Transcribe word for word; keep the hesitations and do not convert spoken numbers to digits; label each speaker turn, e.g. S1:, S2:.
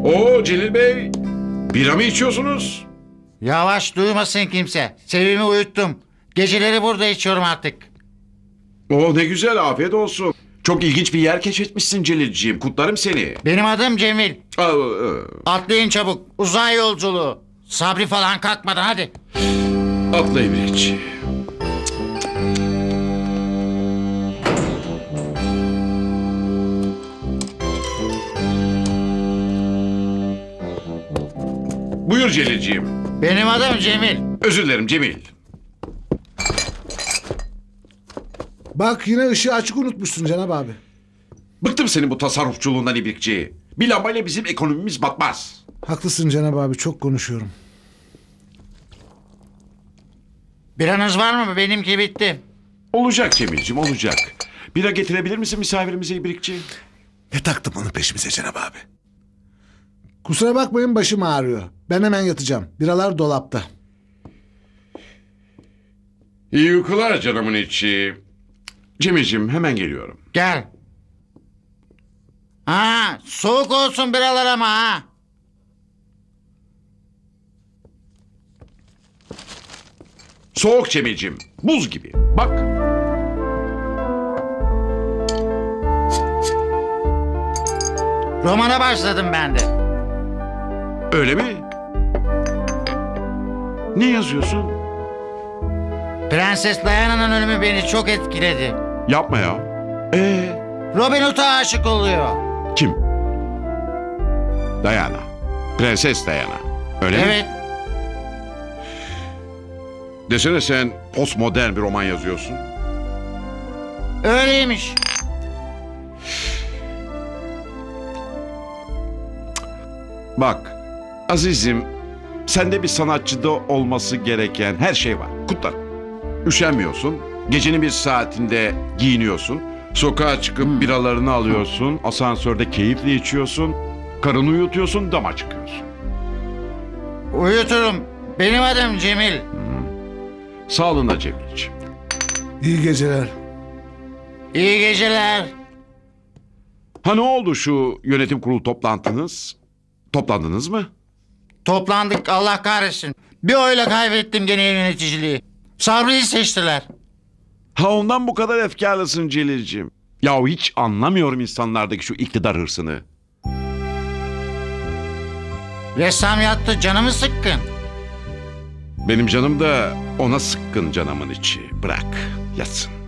S1: Oo Celil Bey, bira mı içiyorsunuz?
S2: Yavaş, duymasın kimse. Sevimi uyuttum. Geceleri burada içiyorum artık.
S1: Oo ne güzel, afiyet olsun. Çok ilginç bir yer keşfetmişsin Celilciğim, kutlarım seni.
S2: Benim adım Cemil.
S1: Aa, aa,
S2: Atlayın çabuk. Uzay yolculuğu. Sabri falan kalkmadan hadi.
S1: Atla İbrikçi. Buyur Celilciğim.
S2: Benim adım Cemil.
S1: Özür dilerim Cemil.
S3: Bak yine ışığı açık unutmuşsun Cenab abi.
S1: Bıktım senin bu tasarrufçuluğundan İbrikçi. Bir lambayla bizim ekonomimiz batmaz.
S3: Haklısın Cenab abi, çok konuşuyorum.
S2: Biranız var mı? Benimki bitti.
S1: Olacak Cemilciğim, olacak. Bira getirebilir misin misafirimize İbrikçi?
S4: Ne taktım onun peşimize Cenab abi?
S3: Kusura bakmayın, başım ağrıyor. Ben hemen yatacağım. Biralar dolapta.
S1: İyi uykular canımın içi. Cemilciğim hemen geliyorum.
S2: Gel. Ha, soğuk olsun biralar ama ha.
S1: Soğuk Cemilciğim, buz gibi. Bak.
S2: Romana başladım ben de.
S1: Öyle mi? Ne yazıyorsun?
S2: Prenses Diana'nın ölümü beni çok etkiledi.
S1: Yapma ya. Ee,
S2: Robin Hood'a aşık oluyor.
S1: kim? Diana. Prenses Diana. Öyle mi?
S2: Evet.
S1: Desene sen postmodern bir roman yazıyorsun.
S2: Öyleymiş.
S1: Bak azizim, sende bir sanatçıda olması gereken her şey var. Kutlar. Üşenmiyorsun. Gecenin bir saatinde giyiniyorsun. Sokağa çıkıp biralarını alıyorsun. Asansörde keyifle içiyorsun. Karını uyutuyorsun, dama çıkıyorsun.
S2: Uyuturum. Benim adım Cemil.
S1: Sağlığına Cemilciğim.
S3: İyi geceler.
S2: İyi geceler.
S1: Ha ne oldu şu yönetim kurulu toplantınız? Toplandınız mı?
S2: Toplandık, Allah kahretsin. Bir oyla kaybettim gene yöneticiliği. Sabri'yi seçtiler.
S1: Ha ondan bu kadar efkarlısın Celilciğim. Yahu hiç anlamıyorum insanlardaki şu iktidar hırsını.
S2: Ressam yattı, canımı sıkkın.
S1: Benim canım da ona sıkkın canımın içi. Bırak yatsın.